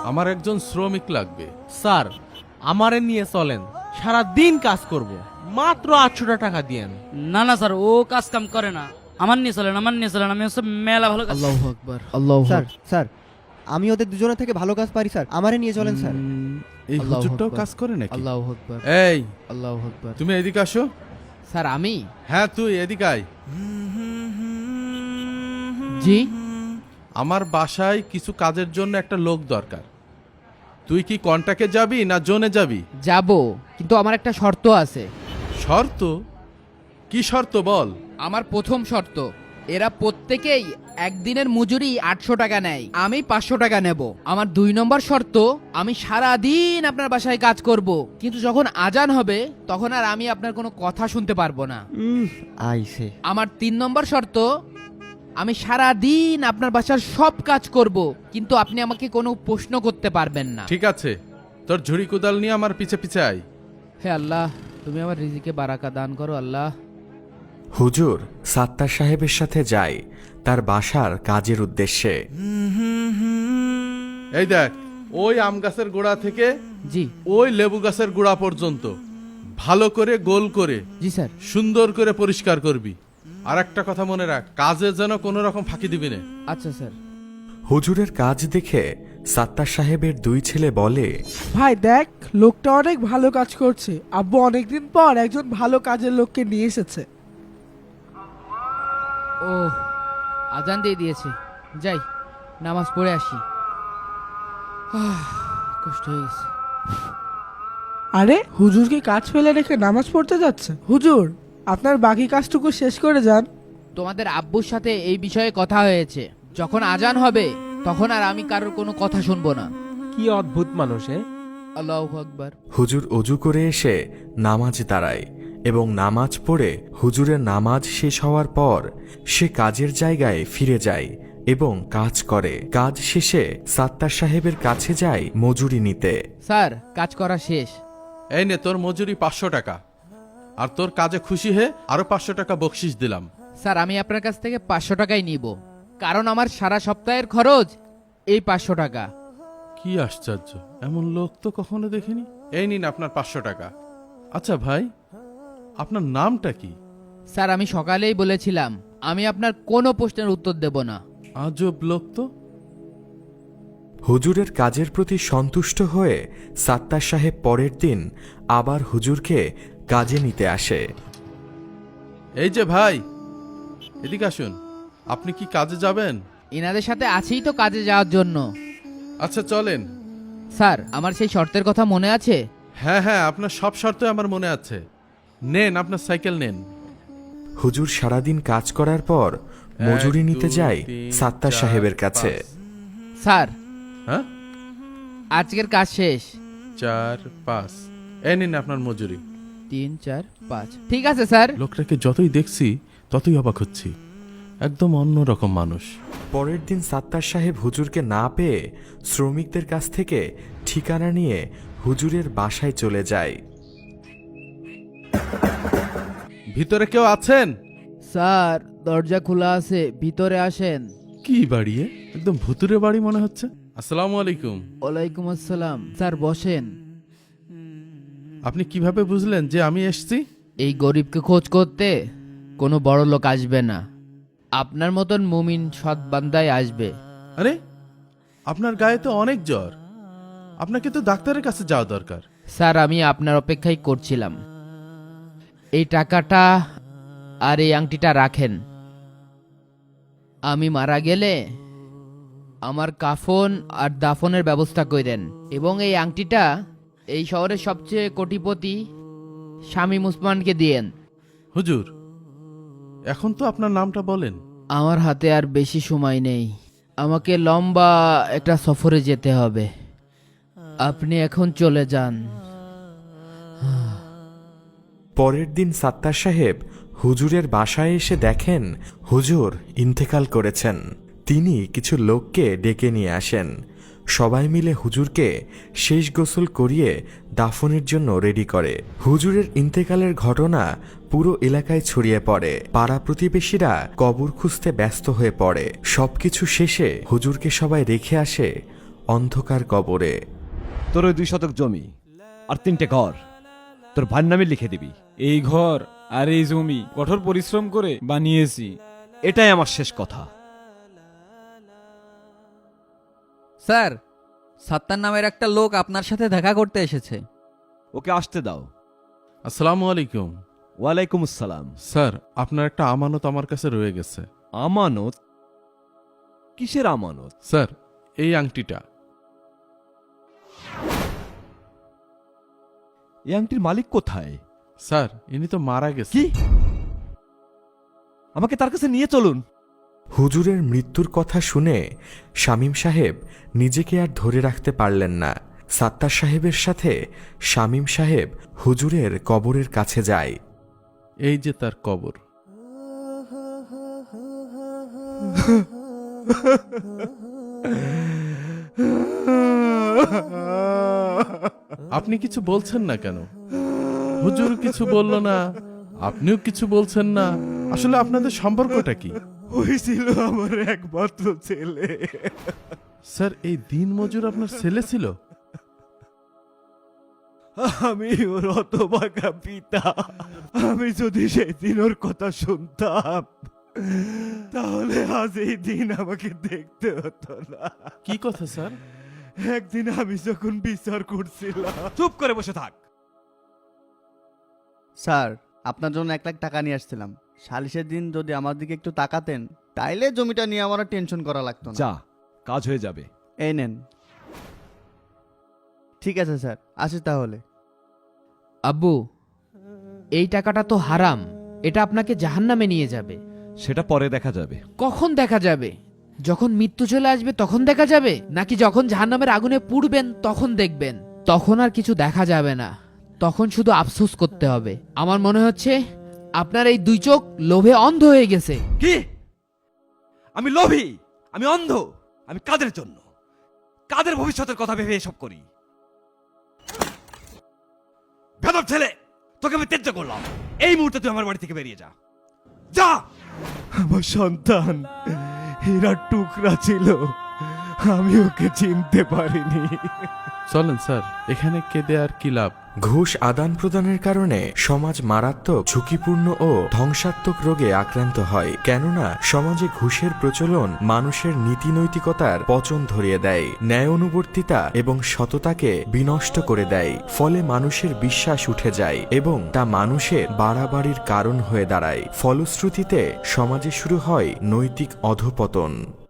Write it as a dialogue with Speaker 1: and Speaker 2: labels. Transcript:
Speaker 1: আমার একজন শ্রমিক লাগবে।
Speaker 2: স্যার আমারে নিয়ে চলেন, সারা দিন কাজ করব, মাত্র 800 টাকা দিয়েন।
Speaker 3: না না স্যার, ও কাজ কাম করে না। আমার নিয়ে চলেন, আমার নিয়ে চলেন, আমি হচ্ছে মেলা ভালো কাজ।
Speaker 4: আল্লাহু আকবার, আল্লাহু
Speaker 5: স্যার স্যার আমি ওদের দুজনের থেকে ভালো কাজ পারি স্যার, আমারে নিয়ে চলেন স্যার।
Speaker 1: এই
Speaker 4: আল্লাহু
Speaker 1: হুজুরটাও
Speaker 4: আকবার।
Speaker 1: কাজ করে নাকি?
Speaker 4: আল্লাহু আকবার,
Speaker 1: এই
Speaker 4: আল্লাহু আকবার।
Speaker 1: তুমি এদিকে আসো।
Speaker 4: স্যার আমি?
Speaker 1: হ্যাঁ তুই এদিকে আয়।
Speaker 4: জি
Speaker 1: আমার বাসায় কিছু কাজের জন্য একটা লোক দরকার। তুই কি কন্ট্রাক্টে যাবি না জোনে যাবি?
Speaker 4: যাব, কিন্তু আমার একটা শর্ত আছে।
Speaker 1: শর্ত? কি শর্ত বল?
Speaker 4: আমার প্রথম শর্ত, এরা প্রত্যেকেই একদিনের মজুরি 800 টাকা নেয়, আমি 500 টাকা নেব। আমার 2 নম্বর শর্ত, আমি সারা দিন আপনার বাসায় কাজ করব, কিন্তু যখন আজান হবে তখন আর আমি আপনার কোনো কথা শুনতে পারবো না।
Speaker 5: আইসে
Speaker 4: আমার 3 নম্বর শর্ত, আমি সারা দিন আপনার বাসার সব কাজ করব, কিন্তু আপনি আমাকে কোনো প্রশ্ন করতে পারবেন না।
Speaker 1: ঠিক আছে, তোর ঝুড়ি কোদাল নিয়ে আমার পিছে পিছে আয়।
Speaker 4: হে আল্লাহ, তুমি আমার রিজিকে বারাকা দান করো আল্লাহ।
Speaker 6: হুজুর সাত্তার সাহেবের সাথে যায় তার বাসার কাজের উদ্দেশ্যে।
Speaker 1: এই দেখ, ওই আম গাছের গোড়া থেকে
Speaker 4: জি
Speaker 1: ওই লেবু গাছের গোড়া পর্যন্ত ভালো করে গোল করে
Speaker 4: জি স্যার।
Speaker 1: সুন্দর করে পরিষ্কার করবি। আর একটা কথা মনে রাখ, কাজে যেন কোনো রকম ফাঁকি দিবি না।
Speaker 4: আচ্ছা স্যার।
Speaker 6: হুজুরের কাজ দেখে সাত্তার সাহেবের 2 ছেলে বলে,
Speaker 7: ভাই দেখ, লোকটা অনেক ভালো কাজ করছে। আব্বু অনেকদিন পর একজন ভালো কাজের লোককে নিয়ে এসেছে।
Speaker 4: ও আজান দিয়ে দিয়েছে, যাই নামাজ পড়ে আসি। কষ্ট হয়ে গেছে।
Speaker 7: আরে হুজুর কি কাজ ফেলে রেখে নামাজ পড়তে যাচ্ছে? হুজুর আপনার বাকি কাজটুকু শেষ করে যান।
Speaker 4: তোমাদের আব্বুর সাথে এই বিষয়ে কথা হয়েছে, যখন আজান হবে তখন আর আমি কারোর কোনো কথা শুনবো না।
Speaker 2: কি অদ্ভুত মানুষ!
Speaker 4: আল্লাহু আকবার।
Speaker 6: হুজুর অজু করে এসে নামাজ দাঁড়ায় এবং নামাজ পড়ে হুজুরের নামাজ শেষ হওয়ার পর সে কাজের জায়গায় ফিরে যায় এবং কাজ করে। কাজ শেষে সাত্তার সাহেবের কাছে যায় মজুরি নিতে।
Speaker 4: স্যার কাজ করা শেষ।
Speaker 1: এই নে তোর মজুরি 500 টাকা, আর তোর কাজে খুশি হয়ে আরো 500 টাকা বকশিস দিলাম।
Speaker 4: স্যার আমি আপনার কাছ থেকে 500 টাকাই নিব, কারণ আমার সারা সপ্তাহের খরচ এই 500 টাকা।
Speaker 1: কি আশ্চর্য, এমন লোক তো কখনো দেখিনি। এই নিন আপনার 500 টাকা। আচ্ছা ভাই, আপনার নামটা কি?
Speaker 4: স্যার আমি সকালেই বলেছিলাম আমি আপনার কোনো প্রশ্নের উত্তর দেব না।
Speaker 1: আজব লোক তো।
Speaker 6: হুজুরের কাজের প্রতি সন্তুষ্ট হয়ে সাত্তার সাহেব পরের দিন আবার হুজুরকে কাজে নিতে আসে।
Speaker 1: এই যে ভাই, এদিকে আসুন। আপনি কি কাজে যাবেন?
Speaker 4: ইনাদের সাথে আছেই তো কাজে যাওয়ার জন্য।
Speaker 1: আচ্ছা চলেন।
Speaker 4: স্যার আমার সেই শর্তের কথা মনে আছে?
Speaker 1: হ্যাঁ হ্যাঁ, আপনার সব শর্ত আমার মনে আছে। নেন আপনার সাইকেল নেন।
Speaker 6: হুজুর সারাদিন কাজ করার পর মজুরি নিতে যায় সাত্তার সাহেবের কাছে।
Speaker 4: স্যার
Speaker 1: হ্যাঁ,
Speaker 4: আজকের কাজ শেষ।
Speaker 1: 4 5, এই নিন আপনার মজুরি।
Speaker 4: 3 4 5। ঠিক আছে স্যার।
Speaker 1: লোকটাকে যতই দেখছি ততই অবাক হচ্ছি, একদম অন্যরকম মানুষ।
Speaker 6: পরের দিন সাত্তার সাহেব হুজুরকে না পেয়ে শ্রমিকদের কাছ থেকে ঠিকানা নিয়ে হুজুরের বাসায় চলে যায়।
Speaker 1: ভিতরে কেউ আছেন?
Speaker 4: স্যার দরজা খোলা আছে, ভিতরে আসেন।
Speaker 1: কি বাড়ি এ? একদম ভুতুরে বাড়ি মনে হচ্ছে। আসসালামু আলাইকুম।
Speaker 4: ওয়ালাইকুম আসসালাম। স্যার বসেন।
Speaker 1: আপনি কিভাবে বুঝলেন যে আমি এসেছি?
Speaker 4: এই গরিবকে খোঁজ করতে কোনো বড় লোক আসবে না, আপনার মতন মুমিন সৎ বান্দাই আসবে।
Speaker 1: আরে, আপনার গায়ে তো অনেক জ্বর, আপনাকে তো ডাক্তারের কাছে যাওয়া দরকার।
Speaker 4: স্যার আমি আপনার অপেক্ষাই করছিলাম। এই টাকাটা আর এই আংটিটা রাখেন। আমি মারা গেলে আমার কাফন আর দাফনের ব্যবস্থা করেন, এবং এই আংটিটা এই শহরের সবচেয়ে কোটিপতি শামীম উসমানকে দিয়েন।
Speaker 1: হুজুর, এখন তো আপনার নামটা বলেন।
Speaker 4: আমার হাতে আর বেশি সময় নেই, আমাকে লম্বা একটা সফরে যেতে হবে। আপনি এখন চলে যান।
Speaker 6: পরের দিন সাত্তার সাহেব হুজুরের বাসায় এসে দেখেন হুজুর ইন্তেকাল করেছেন। তিনি কিছু লোককে ডেকে নিয়ে আসেন। সবাই মিলে হুজুরকে শেষ গোসল করিয়ে দাফনের জন্য রেডি করে। হুজুরের ইন্তেকালের ঘটনা পুরো এলাকায় ছড়িয়ে পড়ে। পাড়া প্রতিবেশীরা কবর খুঁজতে ব্যস্ত হয়ে পড়ে। সবকিছু শেষে হুজুরকে সবাই রেখে আসে অন্ধকার কবরে।
Speaker 8: তোর ওই 2 শতক জমি আর 3টে ঘর তোর ভাইয়ের নামে লিখে দিবি।
Speaker 9: এই ঘর আর এই জমি কঠোর পরিশ্রম করে বানিয়েছি।
Speaker 8: এটাই আমার শেষ কথা।
Speaker 10: স্যার, সাত্তার নামের একটা লোক আপনার সাথে দেখা করতে এসেছে।
Speaker 8: ওকে আসতে দাও।
Speaker 1: আসসালামু আলাইকুম।
Speaker 8: ওয়ালাইকুম আসসালাম।
Speaker 1: স্যার, আপনার একটা আমানত আমার কাছে রয়ে গেছে।
Speaker 8: আমানত? কিসের আমানত?
Speaker 1: স্যার, এই আংটিটা।
Speaker 8: এই আংটির মালিক কোথায়?
Speaker 1: স্যার, ইনি তো মারা গেছে।
Speaker 8: কি? আমাকে তার কাছে নিয়ে চলুন।
Speaker 6: হুজুরের মৃত্যুর কথা শুনে শামীম সাহেব নিজেকে আর ধরে রাখতে পারলেন না। সাত্তার সাহেবের সাথে শামীম সাহেব হুজুরের কবরের কাছে যায়।
Speaker 1: এই যে তার কবর। আপনি কিছু বলছেন না কেন? হুজুর কিছু বলল না, আপনিও কিছু বলছেন না। আসলে আপনাদের সম্পর্কটা কি?
Speaker 8: ওই ছিল আমার একমাত্র ছেলে।
Speaker 1: স্যার, এই দিন মজুর আপনার ছেলে ছিল?
Speaker 8: আমি ওর হতভাগা পিতা। আমি যদি সেদিন ওর কথা শুনতাম তাহলে আজ এই দিন আমাকে দেখতে হতো না।
Speaker 1: কি কথা স্যার?
Speaker 8: একদিন আমি যখন বিচার করছিলাম। চুপ করে বসে থাক।
Speaker 11: স্যার, আপনার জন্য 1 লাখ টাকা নিয়ে আসছিলাম। সালিশের দিন যদি আমার দিকে একটু তাকাতেন, তাইলে জমিটা নিয়ে আমার আর টেনশন করা লাগতো না।
Speaker 8: যা, কাজ হয়ে যাবে।
Speaker 11: এই নেন। ঠিক আছে স্যার, আসি তাহলে।
Speaker 4: আব্বু, এই টাকাটা তো হারাম, এটা আপনাকে জাহান্নামে নিয়ে যাবে।
Speaker 8: সেটা পরে দেখা যাবে।
Speaker 4: কখন দেখা যাবে? যখন মৃত্যু চলে আসবে তখন দেখা যাবে, নাকি যখন জাহান্নামের আগুনে পুড়বেন তখন দেখবেন? তখন আর কিছু দেখা যাবে না, তখন শুধু আফসোস করতে হবে। আমার মনে হচ্ছে আপনার এই 2 চোখ লোভে অন্ধ হয়ে গেছে।
Speaker 8: কি? আমি লোভী? আমি অন্ধ? আমি কাদের জন্য, কাদের ভবিষ্যতের কথা ভেবে এসব করি? বেদব ছেলে, তোকে আমি ত্যায্য করলাম। এই মুহূর্তে তুই আমার বাড়ি থেকে বেরিয়ে যা। যা। আমার সন্তান হীরার টুকরা ছিল, আমি ওকে চিনতে পারিনি।
Speaker 1: চলেন স্যার, এখানে কেঁদে আর কি লাভ?
Speaker 6: ঘুষ আদান প্রদানের কারণে সমাজ মারাত্মক, ঝুঁকিপূর্ণ ও ধ্বংসাত্মক রোগে আক্রান্ত হয়। কেননা সমাজে ঘুষের প্রচলন মানুষের নীতি নৈতিকতার পচন ধরিয়ে দেয়, ন্যায় অনুবর্তিতা এবং সততাকে বিনষ্ট করে দেয়। ফলে মানুষের বিশ্বাস উঠে যায় এবং তা মানুষের বাড়াবাড়ির কারণ হয়ে দাঁড়ায়। ফলশ্রুতিতে সমাজে শুরু হয় নৈতিক অধঃপতন।